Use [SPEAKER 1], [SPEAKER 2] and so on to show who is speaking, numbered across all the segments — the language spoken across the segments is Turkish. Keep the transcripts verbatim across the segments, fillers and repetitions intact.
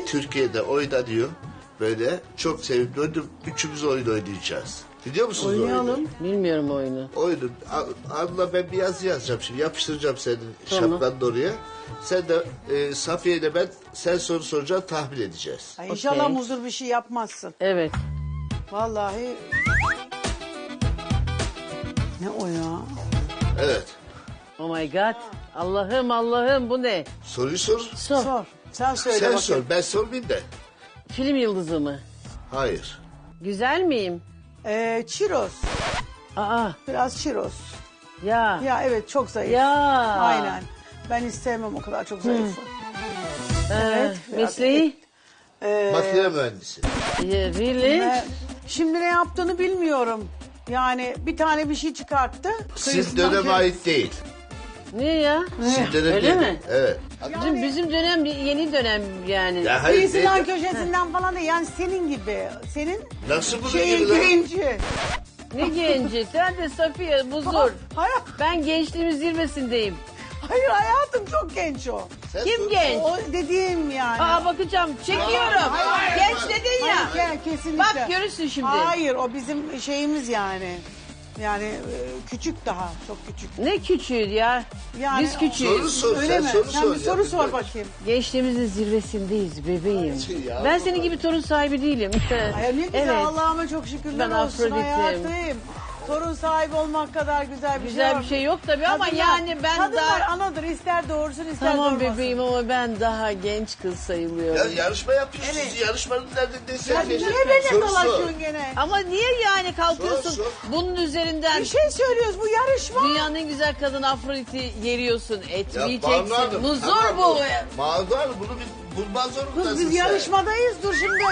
[SPEAKER 1] Türkiye'de oynanıyor. Böyle çok sevimli oyun. Üçümüz oyun oynayacağız. Biliyor musunuz
[SPEAKER 2] Oynayalım.
[SPEAKER 1] oyunu?
[SPEAKER 3] Bilmiyorum oyunu.
[SPEAKER 1] Oyunu. Anla ben bir yazı yazacağım şimdi. Yapıştıracağım senin
[SPEAKER 3] Tamam.
[SPEAKER 1] şapkanın oraya. Sen de e, Safiye ile ben sen soru soracaksın tahmin edeceğiz.
[SPEAKER 2] Ay, İnşallah
[SPEAKER 3] Okey.
[SPEAKER 2] muzur bir şey yapmazsın.
[SPEAKER 3] Evet.
[SPEAKER 2] Vallahi. Ne o ya?
[SPEAKER 1] Evet.
[SPEAKER 3] Oh my god. Allah'ım Allah'ım bu ne?
[SPEAKER 1] Soruyu sor.
[SPEAKER 3] Sor.
[SPEAKER 2] Sor. Sen söyle
[SPEAKER 1] Sen
[SPEAKER 2] bakayım.
[SPEAKER 1] sor. Ben sormayayım da.
[SPEAKER 3] Film yıldızı mı?
[SPEAKER 1] Hayır.
[SPEAKER 3] Güzel miyim?
[SPEAKER 2] Ee, çiroz.
[SPEAKER 3] Aa
[SPEAKER 2] Biraz çiroz.
[SPEAKER 3] ya.
[SPEAKER 2] Ya evet çok zayıf.
[SPEAKER 3] Ya.
[SPEAKER 2] Aynen. Ben istemem o kadar çok zayıf.
[SPEAKER 3] Ee,
[SPEAKER 2] Evet, biraz
[SPEAKER 3] mesleği?
[SPEAKER 2] Ee,
[SPEAKER 1] Makine mühendisi.
[SPEAKER 3] Yeah, really?
[SPEAKER 2] e, şimdi ne yaptığını bilmiyorum. Yani bir tane bir şey çıkarttı.
[SPEAKER 1] Sizin
[SPEAKER 2] Kıyısından
[SPEAKER 1] döneme
[SPEAKER 2] kö-
[SPEAKER 1] ait değil.
[SPEAKER 3] Ne ya?
[SPEAKER 1] Sizin dönem
[SPEAKER 3] Öyle
[SPEAKER 1] değil.
[SPEAKER 3] mi?
[SPEAKER 1] Evet.
[SPEAKER 3] Bizim, bizim dönem yeni dönem yani.
[SPEAKER 1] Ya hayır,
[SPEAKER 2] Kıyısından
[SPEAKER 1] değil.
[SPEAKER 2] köşesinden falan değil. Yani senin gibi. Senin
[SPEAKER 1] Nasıl bunu
[SPEAKER 2] şeyin
[SPEAKER 1] gibi lan?
[SPEAKER 2] birinci.
[SPEAKER 3] Ne genci? Sen de Safiye Buzur.
[SPEAKER 2] Hayır,
[SPEAKER 3] Ben gençliğimin zirvesindeyim.
[SPEAKER 2] hayır hayatım çok genç o.
[SPEAKER 1] Sen
[SPEAKER 3] Kim
[SPEAKER 1] sor.
[SPEAKER 3] genç?
[SPEAKER 2] O dediğim yani.
[SPEAKER 3] Aa bakacağım. Çekiyorum. Genç dedin ya.
[SPEAKER 2] Hayır, ya, kesinlikle.
[SPEAKER 3] Bak görürsün şimdi.
[SPEAKER 2] Hayır o bizim şeyimiz yani. Yani e, küçük daha çok küçük.
[SPEAKER 3] Ne küçüğü ya.
[SPEAKER 2] Yani
[SPEAKER 3] Biz küçüğüz.
[SPEAKER 1] Soru sor.
[SPEAKER 2] Öyle
[SPEAKER 1] sen
[SPEAKER 2] mi?
[SPEAKER 1] soru
[SPEAKER 2] Sen
[SPEAKER 1] sor.
[SPEAKER 2] bir
[SPEAKER 1] ya,
[SPEAKER 2] soru
[SPEAKER 1] biz
[SPEAKER 2] sor
[SPEAKER 1] de-
[SPEAKER 2] bakayım.
[SPEAKER 3] Gençliğimizin zirvesindeyiz bebeğim.
[SPEAKER 1] Ya,
[SPEAKER 3] Ben
[SPEAKER 1] bu
[SPEAKER 3] senin
[SPEAKER 1] kadar.
[SPEAKER 3] gibi torun sahibi değilim.
[SPEAKER 2] Ay, ne güzel
[SPEAKER 3] Evet.
[SPEAKER 2] Allah'ıma çok şükürler
[SPEAKER 3] Ben
[SPEAKER 2] olsun
[SPEAKER 3] Afrodit'im.
[SPEAKER 2] hayatım. Torun sahibi olmak kadar güzel bir
[SPEAKER 3] Güzel
[SPEAKER 2] şey
[SPEAKER 3] bir şey yok tabii ama
[SPEAKER 2] Kadınlar-
[SPEAKER 3] yani ben
[SPEAKER 2] kadınlar
[SPEAKER 3] daha...
[SPEAKER 2] anadır ister doğursun ister
[SPEAKER 3] Tamam
[SPEAKER 2] doğurmasın.
[SPEAKER 3] bebeğim ama ben daha genç kız
[SPEAKER 1] Ya
[SPEAKER 3] sayılıyorum.
[SPEAKER 1] yarışma yapıyorsunuz.
[SPEAKER 2] Evet.
[SPEAKER 1] Yarışmanın nerede
[SPEAKER 2] Ya niye beni dolaşıyorsun gene?
[SPEAKER 3] Ama niye yani kalkıyorsun
[SPEAKER 1] Sor, sor.
[SPEAKER 3] bunun üzerinden
[SPEAKER 2] Bir şey söylüyoruz bu yarışma.
[SPEAKER 3] dünyanın en güzel kadın Afrodit'i yeriyorsun, etmeyeceksin. Muzur
[SPEAKER 1] tamam,
[SPEAKER 3] bu.
[SPEAKER 1] Mağdur Hanım bunu bir bulman zorundasın
[SPEAKER 2] Kız biz
[SPEAKER 1] sen.
[SPEAKER 2] yarışmadayız dur şimdi.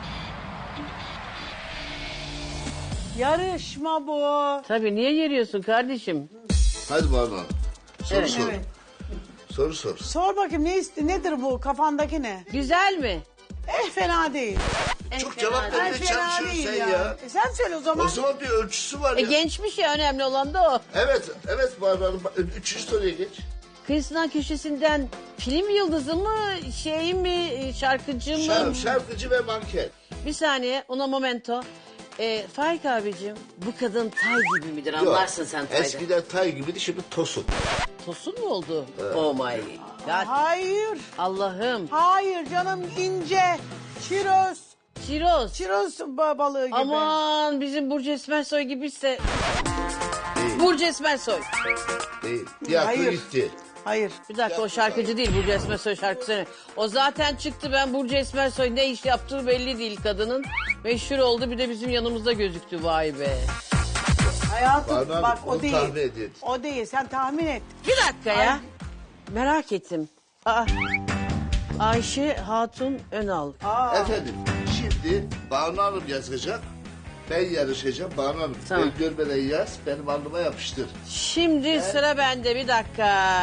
[SPEAKER 2] Yarışma bu.
[SPEAKER 3] Tabii niye yeriyorsun kardeşim?
[SPEAKER 1] Hadi Banu Hanım. Soru
[SPEAKER 3] Evet.
[SPEAKER 1] sor.
[SPEAKER 2] Evet.
[SPEAKER 1] Soru sor.
[SPEAKER 2] Sor bakayım ne iste nedir bu kafandaki ne?
[SPEAKER 3] Güzel mi?
[SPEAKER 2] Eh fena değil.
[SPEAKER 3] En
[SPEAKER 1] Çok
[SPEAKER 3] fena
[SPEAKER 1] cevap
[SPEAKER 3] değil.
[SPEAKER 2] Eh
[SPEAKER 1] vermeye
[SPEAKER 2] fena
[SPEAKER 1] çalışıyorsun
[SPEAKER 2] değil
[SPEAKER 1] sen
[SPEAKER 2] ya.
[SPEAKER 1] ya.
[SPEAKER 2] E sen söyle o zaman.
[SPEAKER 1] O zaman bir ölçüsü var
[SPEAKER 3] E,
[SPEAKER 1] ya.
[SPEAKER 3] gençmiş ya önemli olan da o.
[SPEAKER 1] Evet, evet Banu Hanım. Üçüncü soruya geç.
[SPEAKER 3] Kıyısından köşesinden film yıldızı mı, şey mi, şarkıcı mı?
[SPEAKER 1] Şarkı, şarkıcı ve manken.
[SPEAKER 3] Bir saniye, una momento. E, Faik abicim, bu kadın tay gibi midir?
[SPEAKER 1] Yok,
[SPEAKER 3] Anlarsın sen taydan.
[SPEAKER 1] eskiden tay gibiydi, şimdi tosun.
[SPEAKER 3] Tosun mu oldu? Oh my god.
[SPEAKER 2] Hayır.
[SPEAKER 3] Allah'ım.
[SPEAKER 2] Hayır canım ince. Çiroz.
[SPEAKER 3] Çiroz.
[SPEAKER 2] Çiroz ba- balığı gibi.
[SPEAKER 3] Aman bizim Burcu Esmersoy gibiyse.
[SPEAKER 1] Değil,
[SPEAKER 3] Burcu Esmersoy.
[SPEAKER 1] değil. Tiyatro
[SPEAKER 2] Hayır.
[SPEAKER 1] gitti.
[SPEAKER 2] Hayır.
[SPEAKER 3] Bir dakika o şarkıcı değil Burcu Esmersoy şarkı söylüyor. O zaten çıktı ben Burcu Esmersoy ne iş yaptığı belli değil kadının. Meşhur oldu bir de bizim yanımızda gözüktü vay be.
[SPEAKER 2] Hayatım
[SPEAKER 1] Banu Hanım,
[SPEAKER 2] bak o
[SPEAKER 1] onu
[SPEAKER 2] değil.
[SPEAKER 1] tahmin edin.
[SPEAKER 2] O değil sen tahmin et.
[SPEAKER 3] Bir dakika ya.
[SPEAKER 2] Ay.
[SPEAKER 3] Merak ettim. Aa, Ayşe Hatun Önal.
[SPEAKER 2] Aa.
[SPEAKER 1] Efendim, şimdi Banu Hanım yazacak. Ben yarışacağım. Banu Hanım,
[SPEAKER 3] Tamam.
[SPEAKER 1] ben görmeden yaz, benim alnıma yapıştır.
[SPEAKER 3] Şimdi sıra bende bir dakika.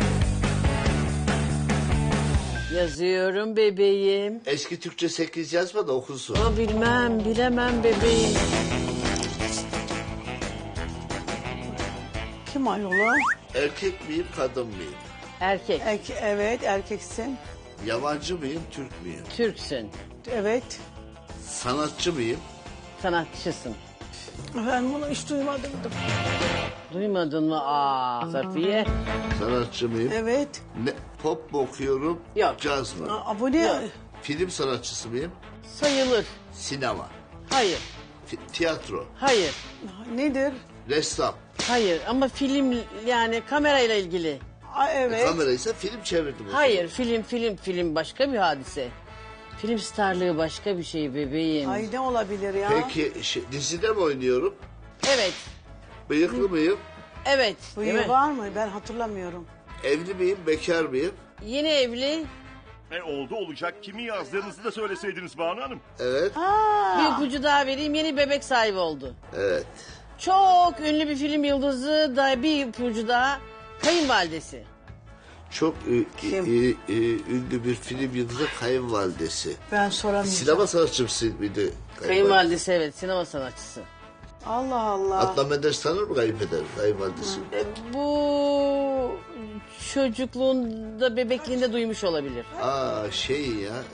[SPEAKER 3] Yazıyorum bebeğim.
[SPEAKER 1] Eski Türkçe sekiz yazma da okunsun.
[SPEAKER 3] Ama bilmem bilemem bebeğim.
[SPEAKER 2] Kim ayol o?
[SPEAKER 1] Erkek miyim, kadın mıyım?
[SPEAKER 3] Erkek.
[SPEAKER 2] Erke- evet erkeksin.
[SPEAKER 1] Yabancı mıyım, Türk müyüm?
[SPEAKER 3] Türksün.
[SPEAKER 2] Evet.
[SPEAKER 1] Sanatçı mıyım?
[SPEAKER 3] Sanatçısın.
[SPEAKER 2] Ben bunu hiç duymadım.
[SPEAKER 3] Duymadın mı? Aa Safiye.
[SPEAKER 1] Sanatçı mıyım?
[SPEAKER 2] Evet.
[SPEAKER 1] Ne, pop mu okuyorum,
[SPEAKER 3] Yok.
[SPEAKER 1] caz mı?
[SPEAKER 2] Aa, bu ne?
[SPEAKER 3] Yok.
[SPEAKER 1] Film sanatçısı mıyım?
[SPEAKER 3] Sayılır.
[SPEAKER 1] Sinema,
[SPEAKER 3] Hayır.
[SPEAKER 1] Fi- tiyatro,
[SPEAKER 3] Hayır.
[SPEAKER 2] Nedir?
[SPEAKER 1] ressam.
[SPEAKER 3] Hayır ama film yani kamerayla ilgili.
[SPEAKER 2] Aa, evet.
[SPEAKER 1] Kamera ise film çevirdim. o
[SPEAKER 3] Hayır film film film başka bir hadise. Film starlığı başka bir şey bebeğim.
[SPEAKER 2] Ay ne olabilir ya?
[SPEAKER 1] zaman. Peki şey, dizide mi oynuyorum?
[SPEAKER 3] Evet.
[SPEAKER 1] Bıyıklı mıyım?
[SPEAKER 3] Evet.
[SPEAKER 2] Bu
[SPEAKER 3] değil
[SPEAKER 2] yıl
[SPEAKER 3] mi?
[SPEAKER 2] var mı? Ben hatırlamıyorum.
[SPEAKER 1] Evli miyim, bekar mıyım?
[SPEAKER 3] Yeni evli.
[SPEAKER 4] E oldu olacak. Kimi yazdığınızı da söyleseydiniz Banu Hanım.
[SPEAKER 1] Evet,
[SPEAKER 2] Aa,
[SPEAKER 3] Bir ipucu daha vereyim. Yeni bebek sahibi oldu.
[SPEAKER 1] evet.
[SPEAKER 3] Çok ünlü bir film yıldızı da bir ipucu daha. Kayınvalidesi.
[SPEAKER 1] Çok ü-
[SPEAKER 2] Kim?
[SPEAKER 1] ü- ü- ünlü bir film yıldızı kayınvalidesi.
[SPEAKER 2] ben soramayacağım.
[SPEAKER 1] Sinema sanatçısı mıydı? Kayınvalide.
[SPEAKER 3] Kayınvalidesi evet sinema sanatçısı.
[SPEAKER 2] Allah Allah.
[SPEAKER 1] Adnan Menderes tanır mı kayınpeder, kayınvalidesi?
[SPEAKER 3] E, bu çocukluğunda bebekliğinde duymuş olabilir.
[SPEAKER 1] Aa şey ya,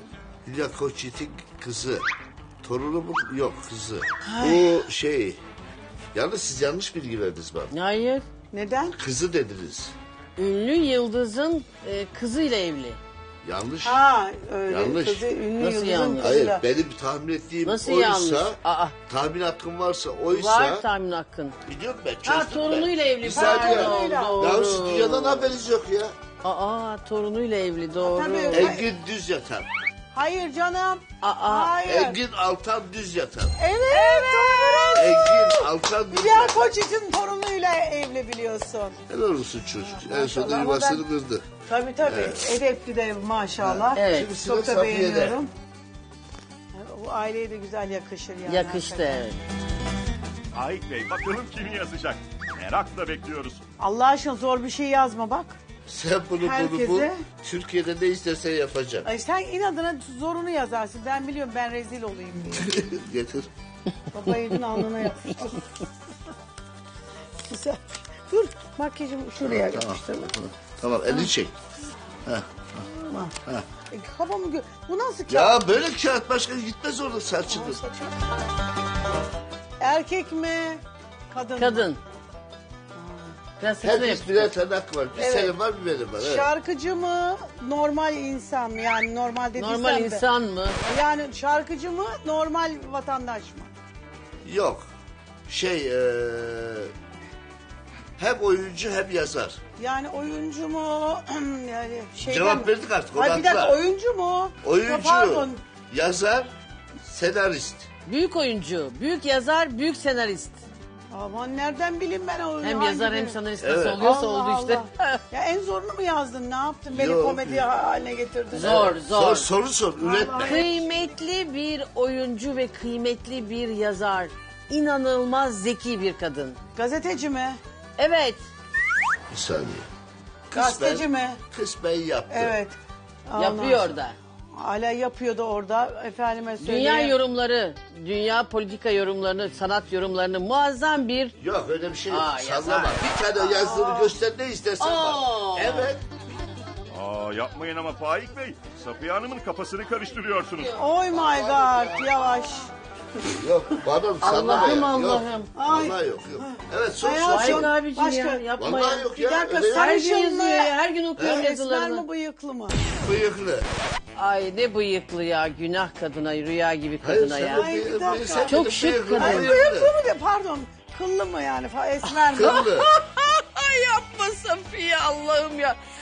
[SPEAKER 1] Hülya Koçyiğit'in kızı. Torunu mu? Yok kızı. Bu şey... Yalnız siz yanlış bilgi verdiniz bana.
[SPEAKER 3] Hayır.
[SPEAKER 2] Neden?
[SPEAKER 1] Kızı dediniz.
[SPEAKER 3] Ünlü yıldızın e, kızıyla evli.
[SPEAKER 1] Yanlış.
[SPEAKER 2] Ha öyle.
[SPEAKER 1] Yanlış.
[SPEAKER 2] Kızı, ünlü
[SPEAKER 3] Nasıl
[SPEAKER 2] yıldızın
[SPEAKER 3] yanlış?
[SPEAKER 1] Hayır
[SPEAKER 2] kızıyla.
[SPEAKER 1] benim tahmin ettiğim
[SPEAKER 3] Nasıl
[SPEAKER 1] oysa...
[SPEAKER 3] yanlış? Aa.
[SPEAKER 1] Tahmin hakkım varsa oysa...
[SPEAKER 3] Var tahmin hakkın.
[SPEAKER 1] Biliyorum ben çözdüm
[SPEAKER 3] Ha torunuyla
[SPEAKER 1] ben.
[SPEAKER 3] evli.
[SPEAKER 1] Bir saniye.
[SPEAKER 3] Pardon, doğru.
[SPEAKER 1] Ya siz dünyadan haberiniz yok ya.
[SPEAKER 3] Aa torunuyla evli doğru.
[SPEAKER 2] Tabii.
[SPEAKER 1] Engin düz yatan.
[SPEAKER 2] Hayır canım.
[SPEAKER 3] Aa.
[SPEAKER 2] Hayır.
[SPEAKER 1] Engin Altan düz yatan.
[SPEAKER 2] Evet. Doğru.
[SPEAKER 1] Engin Altan düz
[SPEAKER 2] Hülya
[SPEAKER 1] yatan.
[SPEAKER 2] Koçyiğit'in torunuyla evli biliyorsun.
[SPEAKER 1] Helal olsun çocuk. En sonunda
[SPEAKER 2] Maşallah, ama
[SPEAKER 1] yuvasını
[SPEAKER 2] ben-
[SPEAKER 1] kırdı.
[SPEAKER 2] Tabii tabii. Edepli de maşallah.
[SPEAKER 3] Evet.
[SPEAKER 1] Şimdi sıra
[SPEAKER 2] Çok da
[SPEAKER 1] Safiye'de.
[SPEAKER 2] beğeniyorum. Bu aileye de güzel yakışır yani.
[SPEAKER 3] Yakıştı
[SPEAKER 2] hakikaten.
[SPEAKER 3] evet.
[SPEAKER 4] Faik Bey bakalım kimi yazacak? Merakla bekliyoruz.
[SPEAKER 2] Allah aşkına zor bir şey yazma bak.
[SPEAKER 1] Sen bunu bunu
[SPEAKER 2] Herkese-
[SPEAKER 1] bul. Türkiye'de ne istersen yapacağım.
[SPEAKER 2] Ay sen inadına zorunu yazarsın. Ben biliyorum ben rezil olayım diye.
[SPEAKER 1] Getir.
[SPEAKER 2] Baba elin alnına yapıştır. Güzel. Dur makyajımı şuraya
[SPEAKER 1] Tamam.
[SPEAKER 2] yapıştır.
[SPEAKER 1] Tamam elini çek.
[SPEAKER 2] Tamam. E, kafamı gö... Bu nasıl kağıt?
[SPEAKER 1] Ya böyle kağıt başka gitmez orada saçını.
[SPEAKER 2] Erkek mi? Kadın mı?
[SPEAKER 3] Kadın. Biraz hızlı
[SPEAKER 1] Herkes
[SPEAKER 3] yap.
[SPEAKER 1] birer tırnak var. Bir
[SPEAKER 2] Evet.
[SPEAKER 1] senin var bir benim var. Evet.
[SPEAKER 2] Şarkıcı mı? Normal insan mı? Yani normal dediysem
[SPEAKER 3] Normal
[SPEAKER 2] de.
[SPEAKER 3] insan mı?
[SPEAKER 2] Yani şarkıcı mı? Normal vatandaş mı?
[SPEAKER 1] Yok. Şey eee hem oyuncu hem yazar.
[SPEAKER 2] Yani oyuncu mu? yani şeyden...
[SPEAKER 1] Cevap verdik artık, o
[SPEAKER 2] Ay bir dakika
[SPEAKER 1] haklı.
[SPEAKER 2] oyuncu mu? Ya
[SPEAKER 1] Oyuncu,
[SPEAKER 2] pardon.
[SPEAKER 1] yazar, senarist.
[SPEAKER 3] Büyük oyuncu, büyük yazar, büyük senarist.
[SPEAKER 2] Aman nereden bileyim ben o
[SPEAKER 3] Hem
[SPEAKER 2] hangi
[SPEAKER 3] yazar hem
[SPEAKER 2] biri?
[SPEAKER 3] senarist
[SPEAKER 1] Evet.
[SPEAKER 3] nasıl oluyorsa
[SPEAKER 2] Allah
[SPEAKER 3] oldu işte.
[SPEAKER 2] Allah. Ya en zorunu mu yazdın? Ne yaptın? Beni
[SPEAKER 1] Yok.
[SPEAKER 2] komedi haline getirdin.
[SPEAKER 3] Zor,
[SPEAKER 1] Sor,
[SPEAKER 3] zor.
[SPEAKER 1] soru sor, üretme.
[SPEAKER 3] Kıymetli bir oyuncu ve kıymetli bir yazar. İnanılmaz zeki bir kadın.
[SPEAKER 2] Gazeteci mi?
[SPEAKER 3] Evet.
[SPEAKER 1] Bir saniye.
[SPEAKER 2] Gazeteci mi?
[SPEAKER 1] Kısmen yaptı.
[SPEAKER 2] Evet. Ondan
[SPEAKER 3] Yapıyor
[SPEAKER 2] sonra-
[SPEAKER 3] da.
[SPEAKER 2] Hala yapıyordu orada. Efendime söyleyeyim.
[SPEAKER 3] Dünya yorumları, dünya politika yorumlarını, sanat yorumlarını muazzam bir...
[SPEAKER 1] Yok öyle bir şey yok.
[SPEAKER 3] Aa, yazar.
[SPEAKER 1] Sallama. Bir tane yazdığını göster ne istersen
[SPEAKER 3] Aa.
[SPEAKER 1] var. Evet.
[SPEAKER 4] Aa yapmayın ama Faik Bey. Safiye Hanım'ın kafasını karıştırıyorsunuz.
[SPEAKER 2] Oh my god yavaş.
[SPEAKER 1] Yok bana sallama
[SPEAKER 3] Allah'ım,
[SPEAKER 1] ya.
[SPEAKER 3] Allah'ım.
[SPEAKER 1] Yok.
[SPEAKER 2] Ay.
[SPEAKER 1] Vallahi yok yok. Evet sor
[SPEAKER 2] Hayat-
[SPEAKER 1] sor.
[SPEAKER 3] Faik
[SPEAKER 1] sor.
[SPEAKER 3] abicim
[SPEAKER 2] Başka-
[SPEAKER 3] ya yapma
[SPEAKER 1] Vallahi
[SPEAKER 3] ya.
[SPEAKER 1] yok
[SPEAKER 2] Bir
[SPEAKER 1] ya.
[SPEAKER 2] dakika
[SPEAKER 1] öyle-
[SPEAKER 3] Her
[SPEAKER 2] sarışın
[SPEAKER 3] gün
[SPEAKER 2] mı?
[SPEAKER 3] yazıyor ya, her gün okuyorum
[SPEAKER 2] Esmer
[SPEAKER 3] yazılarını.
[SPEAKER 2] mi bıyıklı mı?
[SPEAKER 1] Bıyıklı.
[SPEAKER 3] Ay ne bıyıklı ya, günah kadına, rüya gibi
[SPEAKER 1] Hayır,
[SPEAKER 3] kadına
[SPEAKER 1] sen
[SPEAKER 3] ya.
[SPEAKER 1] de
[SPEAKER 2] Ay, bir
[SPEAKER 1] bıyıklı,
[SPEAKER 2] dakika.
[SPEAKER 1] sen de
[SPEAKER 3] Çok
[SPEAKER 1] bıyıklı,
[SPEAKER 3] şık
[SPEAKER 1] bıyıklı,
[SPEAKER 3] kadın.
[SPEAKER 2] Ay
[SPEAKER 1] bıyıklı.
[SPEAKER 2] bıyıklı mı de pardon. Kıllı mı yani? Fa- Esmer mi?
[SPEAKER 1] Kıllı.
[SPEAKER 3] Ay yapma Safiye Allah'ım ya.